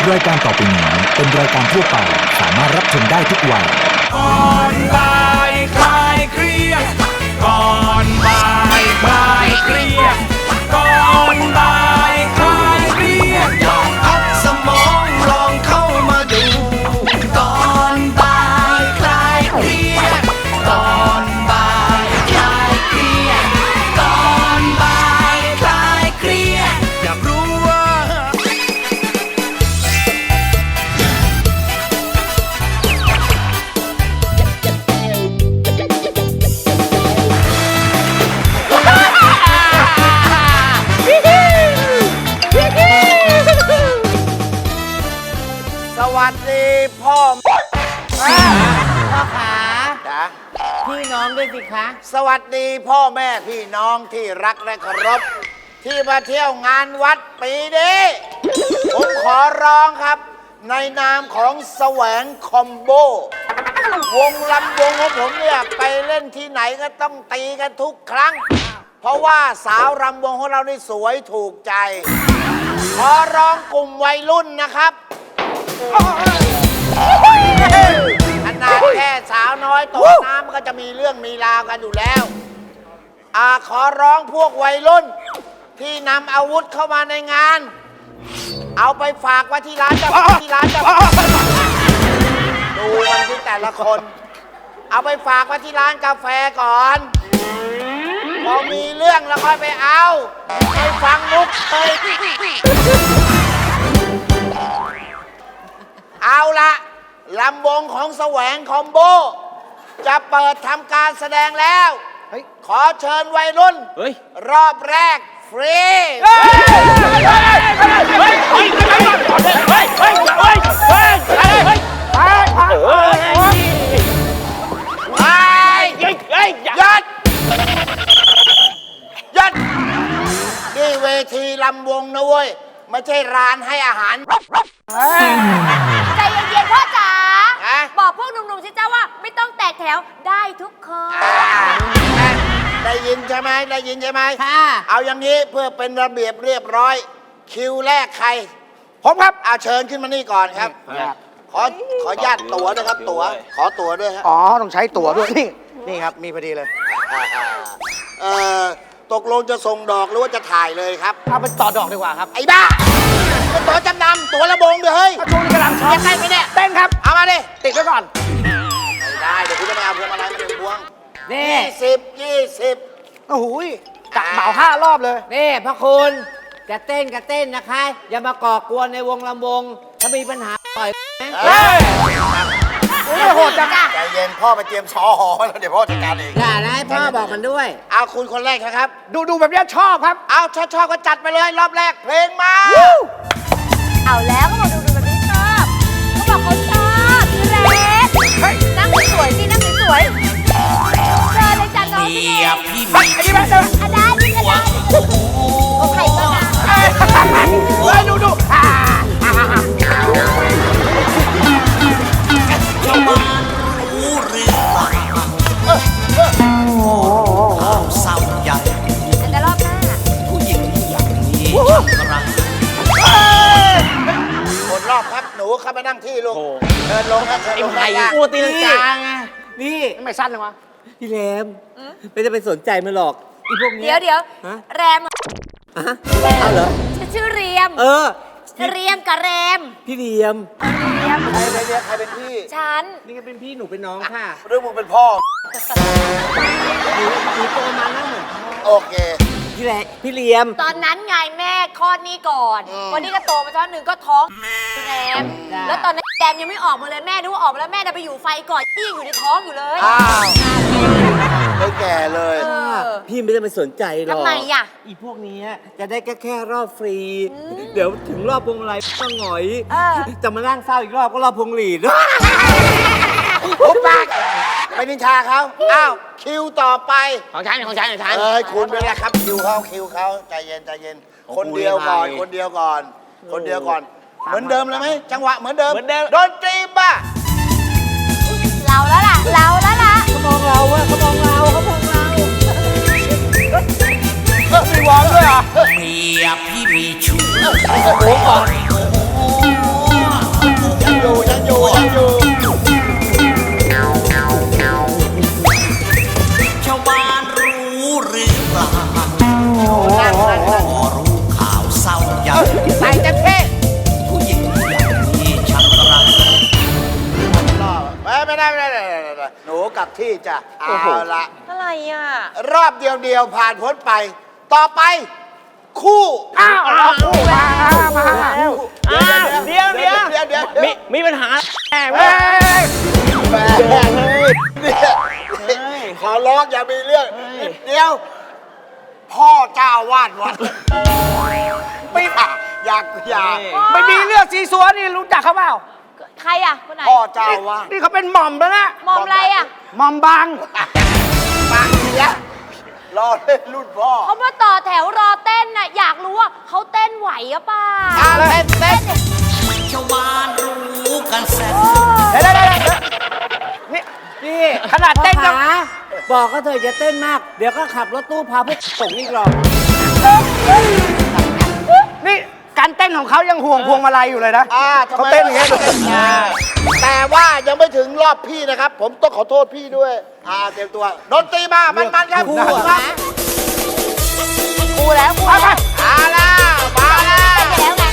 รายการต่อไปนี้เป็นรายการทั่วไปสามารถรับชมได้ทุกวัยก่อนบ่ายคลายเครียดก่อนบ่ายคลายเครียดก่อนบ่ายคลายเครียดลองพักสมองลองเข้ามาดูก่อนบ่ายคลายเครียดก่อนบ่ายคลายเครียดก่อนบ่ายคลายเครียดอยากรู้ว่าสวัสดีพ่อพ่อขาจ้ะพี่น้องด้วยสิคะสวัสดีพ่อแม่พี่น้องที่รักและเคารพที่มาเที่ยวงานวัดปีนี้ผมขอร้องครับในนามของแสวงคอมโบวงลำวงของผมเนี่ยไปเล่นที่ไหนก็ต้องตีกันทุกครั้งเพราะว่าสาวรำวงของเรานี่สวยถูกใจขอร้องกลุ่มวัยรุ่นนะครับขนาดแค่สาวน้อยตกน้ำมันก็จะมีเรื่องมีราวกันอยู่แล้วขอร้องพวกวัยรุ่นที่นำอาวุธเข้ามาในงานเอาไปฝากไว้ที่ร้านจะดูมันที่แต่ละคนเอาไปฝากไว้ที่ร้านกาแฟก่อนพอมีเรื่องแล้วค่อยไปเอาไปฟังมุกเลยเอาละลำวงของแสวงคอมโบจะเปิดทำการแสดงแล้วขอเชิญวัยรุ่นรอบแรกฟรียัดนี่เวทีลำวงนะเว้ยไม่ใช่ร้านให้อาหารใจเย็นๆพ่อจ๋าบอกพวกหนุ่มๆสิจ้าว่าไม่ต้องแตกแถวได้ทุกคนได้ยินใช่ไหมได้ยินใช่ไหมเอาอย่างนี้เพื่อเป็นระเบียบเรียบร้อยคิวแรกใครผมครับเชิญขึ้นมานี่ก่อนครับขอญาตตั๋วนะครับตั๋วขอตั๋วด้วยครับต้องใช้ตั๋วด้วยนี่ครับมีพอดีเลยตกลงจะส่งดอกหรือว่าจะถ่ายเลยครับเอาไปต่อดอกดีกว่าครับไอ้บ้าเป็นตั๋วจำนำตั๋วระบงเดี๋ยวเฮ้ยช่วงนี้กำลังชอบเต้นไหมเนี่ยเต้นครับเอามาดิติดไว้ก่อนไม่ได้เดี๋ยวคุณจะไปเอาพวงมาลัยมาเป็นพวงนี่ 20 โอ้โหจัดเหมา5 รอบเลยนี่พระคุณจะเต้นก็เต้นนะคะอย่ามาก่อกวนในวงลำวงถ้ามีปัญหาต่อยไม่โหดจังใจเย็นพ่อไปเตรียมซอหอแล้วเดี๋ยวพ่อจัดการเองอย่านะให้พ่อบอกมันด้วยเอาคุณคนแรกนะครับดูแบบนี้ชอบครับเอาชอบก็จัดไปเลยรอบแรกเพลงมาเอาแล้วก็บอกดูแบบนี้ชอบเขาบอกเขาชอบพี่เรสนั่งสวยสินั่งสวยเจอเลยจ้ะน้องพี่เรสได้ดีกันได้โอเคก็ได้ดูชาวบ้านรู้หรือเปล่าข่าวเศร้าใหญ่แต่รอบหน้าผู้หญิงอย่างนี้ทำไรหมดรอบครับหนูเข้าไปนั่งที่ลูกเชิญลงครับเชิญลงไอ้กูตีลังกาไงนี่ไม่สั้นเลยวะพี่แรมไม่ได้ไปสนใจมันหรอกอีพวกนี้เดี๋ยวแรมเอาเหรอชื่อเรียมเรียมกับแรมพี่เรียมใครเป็นพี่ฉันนี่ก็เป็นพี่หนูเป็นน้องค่ะเรื่องมึงเป็นพ่อหนูโตมาแล้วเหมือนโอเคพี่เรียมตอนนั้นไงแม่คลอดนี่ก่อนวันนี้ก็โตมาช้อนหนึ่งก็ท้องแรมแล้วตอนนั้นแรมยังไม่ออกมาเลยแม่ดูว่าออกมาแล้วแม่จะไปอยู่ไฟก่อนที่ยังอยู่ในท้องอยู่เลยไม่แก่เลยพี่ไม่ได้ไปสนใจหรอกทำไมอ่ะอีพวกนี้จะได้แค่รอบฟรีเดี๋ยวถึงรอบพวงมาลัยก็หงอยจะมานั่งเศร้าอีกรอบก็รอบพวงหลีดปุ๊บปากไปนินทาเขาอ้าวคิวต่อไปของฉันคุณไปแล้วครับคิวเขาใจเย็นคนเดียวก่อนเหมือนเดิมเลยไหมจังหวะเหมือนเดิมดนตรีบ้าเราแล้วล่ะเขามองเรามีวอร์มด้วยเหรอเมียพี่มีชู้โอ้โหก่อนที่จ้ะเอาละอะไรอ่ะรอบเดียวผ่านพ้นไป ต่อไป คู่อ้าวเอาคู่มาคู่เดี๋ยว มีปัญหาแม่เฮ้ยแม่ขอร้องอย่ามีเรื่องเดี๋ยว พ่อเจ้าวาดวัดไม่อยากไม่มีเรื่องสีสัวนี่รู้จักเขาเปล่าใครอ่ะ คนไหนพ่อเจ้าวาดนี่เขาเป็นหม่อมแล้วนะมอมอะไรอ่ะหม่อมบางปากเสียรอเล่นรุ่นพ่อเขามาต่อแถวรอเต้นน่ะ อยากรู้ว่าเขาเต้นไหวหรือเปล่าเต้นชาวบ้านรู้กันแสนเดี๋ยวนี่ขนาดเต้นยังบอกก็เธอจะเต้นมาก เดี๋ยวก็ขับรถตู้พาพวกส่งนี่กรอบนี่การเต้นของเขายังห่วงพวงมาลัยอยู่เลยนะทำไมเขาเต้นอย่างเงี้ยแต่ว่ายังไม่ถึงรอบพี่นะครับ ผมต้องขอโทษพี่ด้วยเตรียมตัวดนตรีมามันครับกูแล้วมาแล้วมาแล้วไปแล้วไง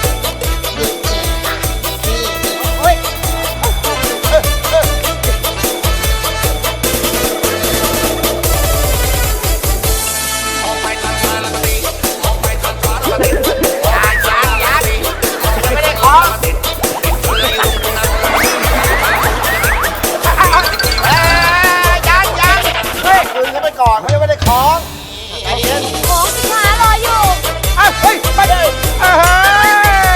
ไม่ได้ของยังเฮ้ยคืนเขาไปก่อนเขายังไม่ได้ของใจเย็นของสินค้ารออยู่เฮ้ยไปเลยเฮ้ย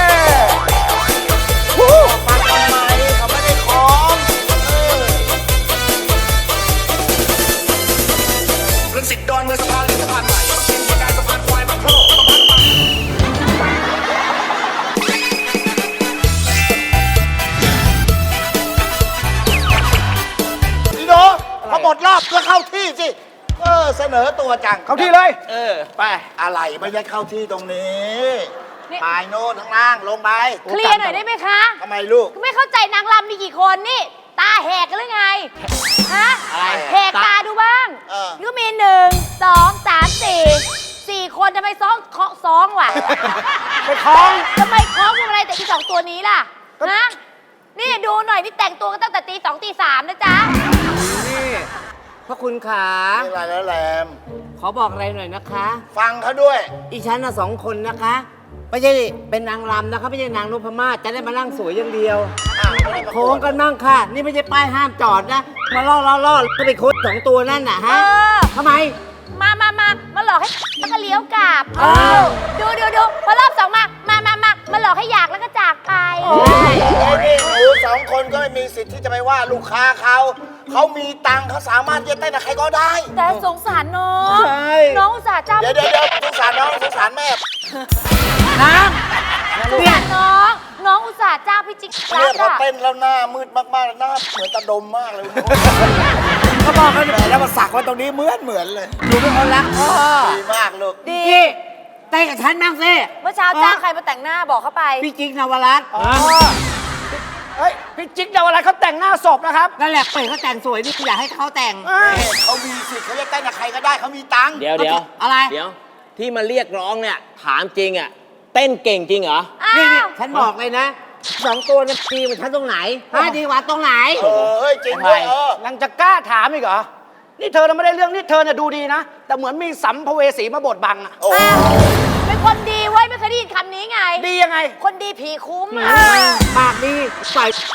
มาทำไมเขาไม่ได้ของเรื่องสิทธิ์ดอนเมืองสะพานเหล็กสะพานใหม่เป็นเหตุการณ์สะพานควายบางโพสะพานใหม่พี่โนพอหมดรอบก็เข้าที่สิเสนอตัวจังเขาที่เลยไปอะไรไม่ใช่เข้าที่ตรงนี้นี่ปลายโน้ตข้างล่างลงไปเคลียร์หน่อยได้ไหมคะทำไมลูกไม่เข้าใจนางรำมีกี่คนนี่ ตาแหกกันหรือไง ฮะอะไรแหกตาดูบ้าง นี่ก็มี4 คนทำไมซ้องวะไปคล้องทำไมคล้องพวงมาลัยแต่อีสองตัวนี้ล่ะ ฮะ นี่ดูหน่อยนี่แต่งตัวกันตั้งแต่ตี 2 ตี 3นะจ๊ะนี่พระคุณขานี่อะไรแล้วแหลมขอบอกอะไรหน่อยนะคะฟังเขาด้วยอีฉันน่ะ2 คนนะคะ ไม่ใช่เป็นนางรำนะคะ ไม่ใช่นางนพมาศจะได้มานั่งสวยอย่างเดียว โค้งกันมั่งค่ะ นี่ไม่ใช่ป้ายห้ามจอดนะ มาล่อก็ไปโค้ง2 ตัวนั่นน่ะเอฮะอทำไมมาหลอกให้แล้วก็เลี้ยวกลับ ดูพอรอบสองมาหลอกให้อยากแล้วก็จากไปนี่หนูสองคนก็ไม่มีสิทธิ์ที่จะไปว่าลูกค้าเขามีตังค์เขาสามารถจะเต้นกับใครก็ได้แต่สงสารน้องใช่น้องอุตส่าห์จ้าเดี๋ยวสงสารน้องสงสารแม่นะสงสารน้องอุตส่าห์จ้าพี่จิ๊กเนี่ยพออะเต้นแล้วหน้ามืดมากๆหน้าเหมือนตาดมมากเลยก็บอกกันแล้วมาสักไว้ตรงนี้เหมือนเลยหนูเป็นคนรักพ่อดีมากลูกดีพี่เต้นกับฉันบ้างสิเมื่อเช้าจ้างใครมาแต่งหน้าบอกเขาไปพี่จิ๊กนวรัตน์เฮ้ยพี่จิ๊กเยาวอะไรเขาแต่งหน้าศพนะครับนั่นแหละเปิดเขาแต่งสวยนี่อยากให้เขาแต่งเขามีสิทธิ์เขาจะเต้นกับใครก็ได้เขามีตังค์เดี๋ยวอะไรเดี๋ยวที่มาเรียกร้องเนี่ย ถามจริงอ่ะ เต้นเก่งจริงเหรอนี่ฉันบอกเลยนะ2 ตัวเนี่ยดีกว่าฉันตรงไหนดีกว่าตรงไหนเฮ้ยจริงด้วยยังจะกล้าถามอีกเหรอ นี่เธอน่ะไม่ได้เรื่องนี่เธอน่ะดูดีนะ แต่เหมือนมีสัมภเวสีมาบดบังอะเป็นคนดีเว้ยไม่เคยได้ยินคำนี้ไงดียังไงคนดีผีคุ้มปากดีใส่ไหม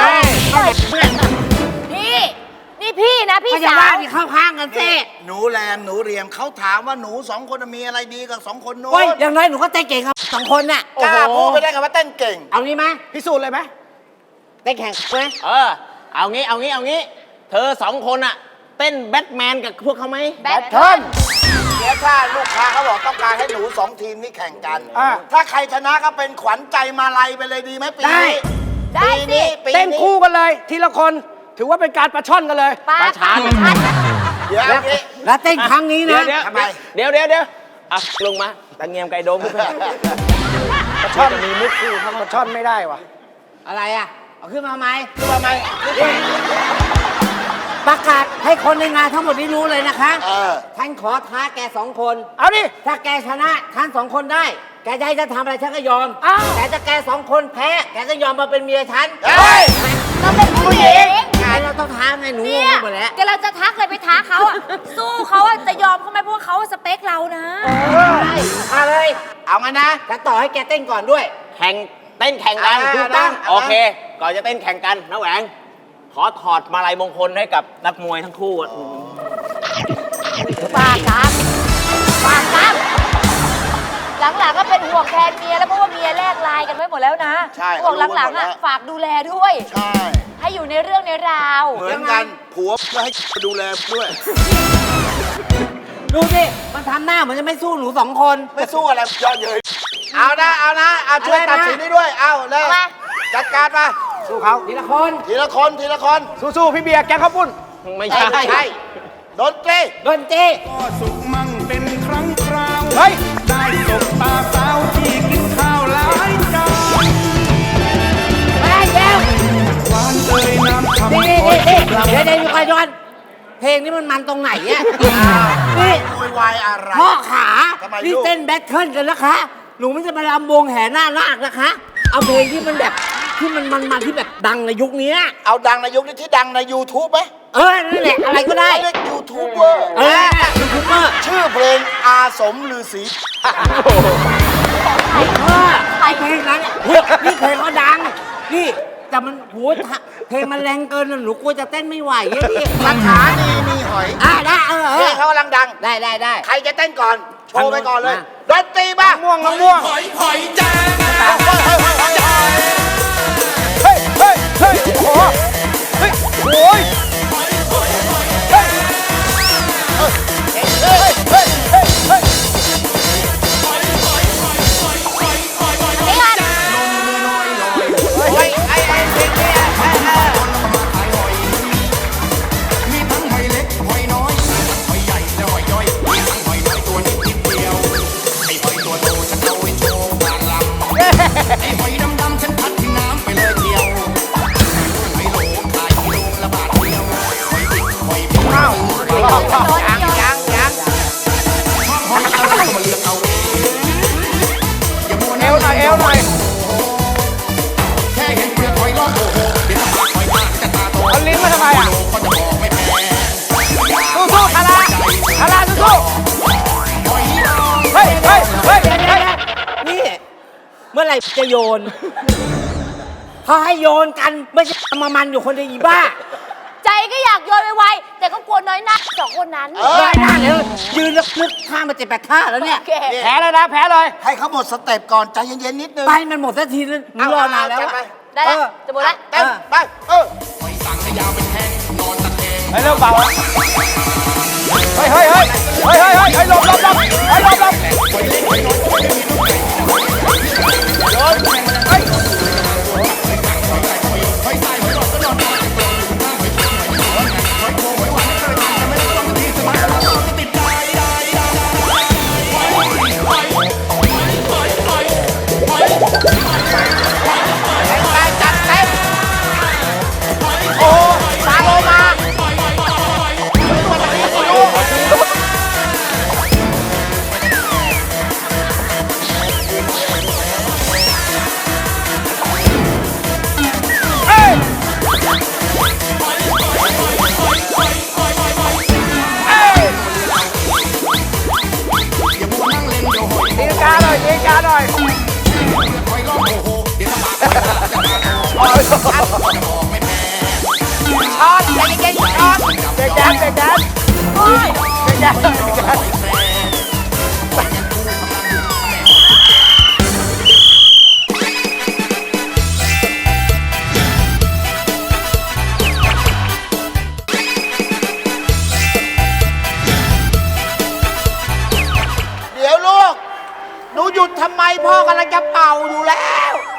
พี่นี่พี่นะพี่ก็จะสาว่าว ที่เข้าข้างกันสิหนูแรมหนูเรียมเขาถามว่าหนูสองคนมีอะไรดีกับสองคนโน้โอ้ยนอย่างไรหนูก็เต้นเก่งครับ2 คนน่ะกล้าพูดไปได้กับว่าเต้นเก่งเอางี้ไหมพิสูจน์เลยไหมเต้นแข่งไหมเอางี้ เธอ2 คนอ่ะ เต้นแบทแมนกับพวกเขาไหมแบทเทิร์นเดี๋ยวถ้าลูกค้าเขาบอกต้องการให้หนูสองทีมนี้แข่งกัน ถ้าใครชนะก็เป็นขวัญใจมาลัยไปเลยดีไหมปีนี้ได้ปีสินี้ปีเต้นนี้คู่กันเลย ทีละคนถือว่าเป็นการประช่อนกันเลยปลาชานเดี๋ยวเอางี้แล้วเต้นครั้งนี้นะทำไมเดี๋ยวอ่ะลงมาตะเงียมไก่โดมขึ้นไปประช่อนมีมุกคู่ประช่อนไม่ได้วะอะไรอ่ะ เอาขึ้นมาไหมประกาศให้คนในงานทั้งหมดได้รู้เลยนะคะ ฉันขอท้าแก2 คนเอาดิถ้าแกชนะฉัน2 คนได้ แกจะให้ฉันทำอะไรฉันก็ยอมอ้าวแต่ถ้าแก2 คนแพ้ แกก็ยอมมาเป็นเมียฉันเฮ้ยเราเป็นผู้หญิงอ่าเราต้องท้าไงหนูงเนี่งยไปหมดแล้วกำลังจะทักเลยไปท้าเขาอะสู้เขาอะจะยอมเขาไหมเพราะว่าเขาสเปคเรานะมาเลยเอางั้นนะจะต่อให้แกเต้นก่อนด้วยเต้นแข่งกันอ่าถูกต้องเอานะโอเค ก่อนจะเต้นแข่งกันน้าแหวง ขอถอดมาลัยมงคลให้กับนักมวยทั้งคู่อะปากครับปากครับหลังๆก็เป็นห่วงแทนเมียแล้วเพราะว่าเมียแลกไลน์กันไว้หมดแล้วนะใช่ห่วงหลังๆเขารู้ไว้หมดแล้อะวฝากดูแลด้วยใช่ให้อยู่ในเรื่องในราวเหมือนกันผัวก็ให้ดูแลด้วยดูสิ มันทำหน้าเหมือนจะไม่สู้หนูสองคนไม่สู้อะไรเยอะเย้ยเอานะเอาช่วยอะไรนะตัดสินให้ด้วย เอาเลยเอามาจัดการมาสู้เขาทีละคนทีละคนทีละคนสู้ๆพี่เบียร์แกงข้าวปุ้นไม่ใช่ใช่ดนตรีดนตรีก็สุขมั่งเป็นครั้งคราวเฮ้ยได้สบตาสาวที่กินข้าวหลายจานไม่ได้แล้วหวานเอ่ยน้ำคำนี่เดี๋ยวอยู่ก่อนย้อนเพลงนี้มันตรงไหนอ่ะนี่โวยวายอะไรพ่อขาทำไมนี่ลูกเต้นแบทเทิลกันนะคะ หนูไม่จะมาลำวงแห่หน้านาคนะคะ เอาเพลงที่มันแบบที่มันที่แบบดังในยุคนี้เอาดังในยุคนี้ที่ดังใน YouTube ไหมนั่นแหละอะไรก็ได้เขาเรียกยูทูบเบอร์ยูทูบเบอร์ชื่อเพลงอาสมฤาษีไอเพลงนั้นนี่เพลงเขาดัง นี่แต่มันโหเพลงมันแรงเกินหนูกลัวจะเต้นไม่ไหวอะพี่คาถาดีมีหอยได้เพลงเขากำลังดังได้ใครจะเต้นก่อน โชว์ไปก่อนเลยมาดนตรีบ้างม่วงน้องม่วงหอยหอยแจ้งเฮ้ยเฮ้ยเฮ้ยโอ้โหเฮ้ยโอ้ยเฮ้ยเฮ้ยเฮ้ยเฮ้ยเฮ้ยนี่กันเฮ้ยไอ้เพลงนี้มีทั้งหอยเล็กหอยน้อยหอยใหญ่และหอยย่อยมีทั้งหอยน้อยตัวนิดเดียวไอ้หอยตัวโตฉันเอาไว้โชว์กลางลำไอ้หอยดำๆฉันพัดทิ้งน้ำไปเลยเดียวหอยโหลขายกิโลละบาทเดียวหอยดิบหอยเบี้ยวยังหอยอะไรก็มาเลือกเอาเองอย่ามัวเอวหน่อยเอวหน่อยแค่เห็นเปลือกหอยร้องโอ้โหเดี๋ยวถ้าปากหอยมากจะตาโตเอาลิ้นมาทำไมอ่ะก็จะบอกไม่แพ้สู้ๆคาราสู้ๆเฮ้ยเฮ้ยเฮ้ยเฮ้ยนี่ เมื่อไหร่จะโยนเขาให้โยนกันไม่ใช่มามันอยู่คนเดียวอีบ้าใจก็อยากโยนไวๆแต่ก็กลัวน้อยหน้าสองคนนั้นได้หน้าเลยยืนลึกข้ามมา7-8 ท่าแล้วเนี่ยโอเคแพ้เลยนะแพ้เลยให้เขาหมดสเต็ปก่อนใจเย็นๆนิดนึงไปมันหมดสักทีนึงหนูรอนานแล้วจัดอะไปได้แล้วจะหมดแล้วเต้นไปหอยสังให้ยาวเป็นแท่งนอนตะแคงเฮ้ยเริ่มเบาแล้วเฮ้ยเฮ้ยเฮ้ยเฮ้ยเฮ้ยเฮ้ยหลบเฮ้ยหลบหอยเล็กหอยน้อยหอยไม่มีลูกไก่หอยใต้หอยหลอดก็นอนตะแคงหอยข้างหอยข้างหอยโขงหอยหวานไม่เคยทำไม่ต้องทีสมัยเราต้องติดใจไปจัดเต็มโอ้ปาโลมาตีกาหน่อยตีกาหน่อยช้อนใจเย็นๆช้อนเด็กแดนเด็กแดนเด็กแดนเด็กแดนเดี๋ยวลูก หนูหยุดทำไมพ่อกำลังจะเป่าอยู่แล้ว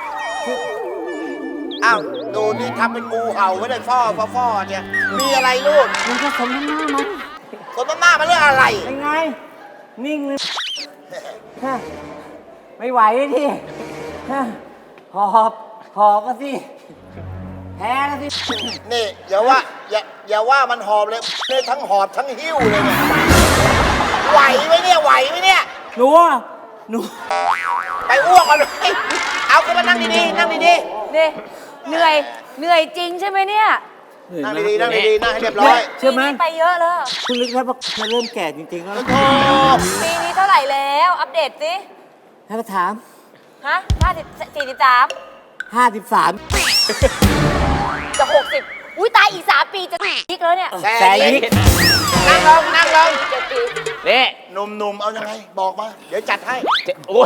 อ้าว ดูนี่ทำเป็นงูเห่าไม่ได้ฟ่อเนี่ย มีอะไรลูกมันก็สมน้ำหน้ามันคนต้นหน้ามันเรื่องอะไรเป็นไง นิ่งเลยฮะไม่ไหวที่ฮะหอบก็สิแพ้ก็สินี่อย่าว่ามันหอบเลยเนี่ยทั้งหอบทั้งหิ้วเลยเนี่ย ไหวไหมเนี่ยหนูไปอ้วกกันเลยเอาขึ้นมานั่งดีๆ นั่งดีนี่เหนื่อยจริงใช่ไหมเนี่ยนนั่งดีๆนั่งดีๆนั่งให้เรียบร้อยเชื่อไหมปีนี้ไปเยอะแล้วคุณนึกแล้วว่ามันเริ่มแก่จริงๆแล้วโอ้ปีนี้เท่าไหร่แล้ว อัปเดตสิให้มาถามฮะ43 53 จะ 60 อุ้ยตายอีก 3 ปีจะอีกแล้วเนี่ยแสยิกนั่งลงนั่งลง 7 ปีนี่หนุ่มๆเอายังไงบอกมา เดี๋ยวจัดให้โอ้ย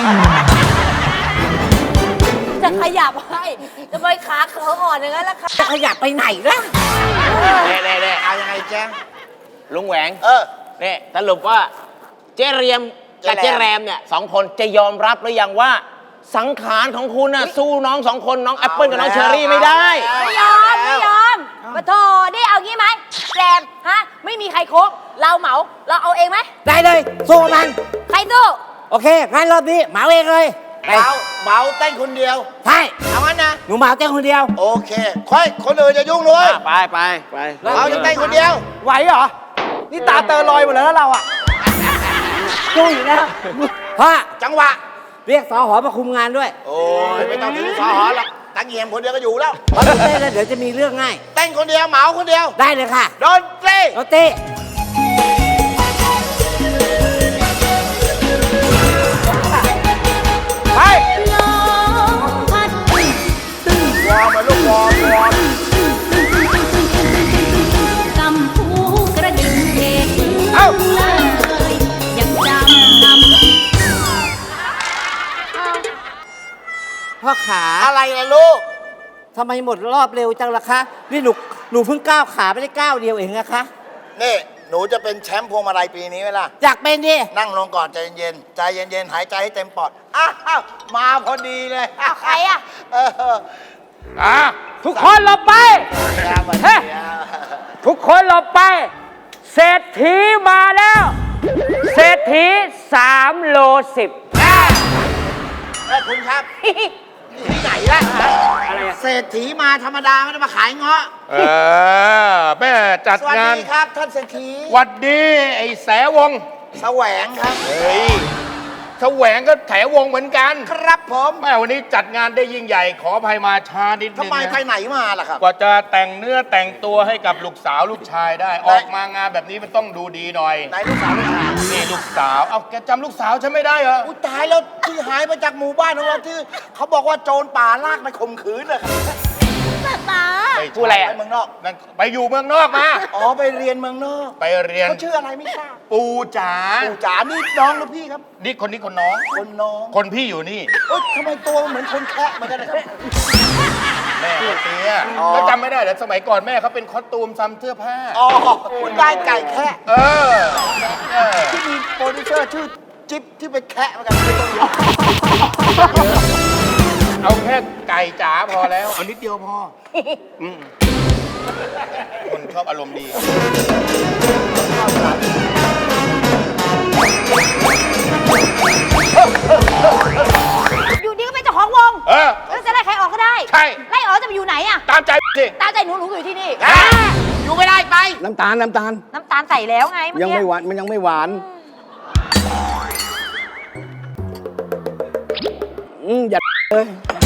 จะขยับให้จะไปขาเขออ่อนอย่างนั้นล่ะค่ะจะขยับไปไหนล่ะเน่เอายังไงแจ้งลุงแหวงเออนี่สรุปว่าเจเรียมกับเจ๊เจแรมแรมเนี่ย2 คนจะยอมรับหรือยังว่า สังขารของคุณน่ะสู้น้อง2 คนน้องแอปเปิลกับน้องเชอรี่ไม่ได้ไม่ยอมมาโถนี่เอางี้ไหมแรมฮะ ไม่มีใครโค้งเราเหมา เราเอาเองไหมได้เลยสู้กับมันใครสู้โอเคงั้นรอบนี้เหมาเองเลยไปเบาเต้นคนเดียวใช่เอางั้นนะหนูเหมาเจ้าคนเดียวโอเคค่อยคนอื่นจะยุ่งด้วยไปเราจะเต้นคนเดียวไหวเหรอ นี่ตาเตอลอยหมดแล้วนะเราอ่ะสู้อยู่แล้วพ่อจังหวะเรียกสอหอมาคุมงานด้วยโอ้ยไม่ต้องถึงสอหอหรอกตั้งเงียมคนเดียวก็อยู่แล้วเพราะถ้าเต้นแล้วเดี๋ยวจะมีเรื่องง่ายเต้นคนเดียวเหมาคนเดียวได้เลยค่ะดนตรีโรตีไปวอร์มมาลูกวอร์มกำพูกระดิ่งเพกเอ้าเลยยังจำนำพ่อขาอะไรล่ะลูกทำไมหมดรอบเร็วจังล่ะคะ นี่หนูเพิ่งก้าวขาไปได้ก้าวเดียวเองนะคะนี่หนูจะเป็นแชมป์พวงมาลัยปีนี้ไหมล่ะอยากเป็นดินั่งลงก่อนใจเย็นๆใจเย็นๆหายใจให้เต็มปอด อ้าวมาพอดีเลยเอาใครอ่ะเออทุกคนหลบไปครับวันเฮ้นี้ทุกคนหลบไป เศรษฐีมาแล้ว เศรษฐี3 โล 10 เอ้ยคุณครับ ที่ไหนล่ะเศรษฐีมาธรรมดาไม่ได้มาขายเงาะแม่จัดสวัสงานดีครับท่านเศรษฐีหวัดดีไอ้แสวงแสวงครับเฮ้ยแสวงก็แถวงเหมือนกันครับผมแม่วันนี้จัดงานได้ยิ่งใหญ่ ขออภัยมาช้านิดนึทำงไมไปนะไหนมาล่ะครับกว่าจะแต่งเนื้อแต่งตัวให้กับลูกสาวลูกชายได้ ออกมางานแบบนี้มันต้องดูดีหน่อยไหนลูกสาวลูกชายนี่ลูกสาว เอาแกจำลูกสาวฉันไม่ได้เหรออุ้ยตายแล้วที่หายไปจากหมู่บ้านของเราที่เขาบอกว่าโจรป่าลากไปข่มขืนเลยครับไปพูดอะไรไปอ่ะเมืองนอกนั่นไปอยู่เมืองนอกมาอ๋อไปเรียนเมืองนอกไปเรียนเขาชื่ออะไรไม่ทราบปูจ๋าปู่จ๋านี่น้องหรือพี่ครับนี่คนนี้คนน้องคนน้องคนพี่อยู่นี่เอ้ยทำไมตัวเหมือนคนแคะเหมือนกันนะครับแม่เขาเตี้ยอ๋อแล้วจำไม่ได้เหรอสมัยก่อนแม่เขาเป็นคอสตูมซ้ำเสื้อผ้าอ๋อคุณได้ไก่แคะเออเออที่มีโปรดิวเซอร์ชื่อจิ๊บที่ไปแคะเหมือนกันไม่ต้องเยอะเอาแค่ไก่จ๋าพอแล้วเอานิดเดียวพอคนชอบอารมณ์ดีอยู่ดีก็เป็นเจ้าของวงเออแล้วจะไล่ใครออกก็ได้ใช่ไล่ออกจะไปอยู่ไหนอ่ะตามใจสิตามใจหนูอยู่ที่นี่อยู่ไม่ได้ไปน้ำตาลน้ำตาลใส่แล้วไงเมื่อยังกี้ไม่หวาน มันยังไม่หวาน อย่าเลย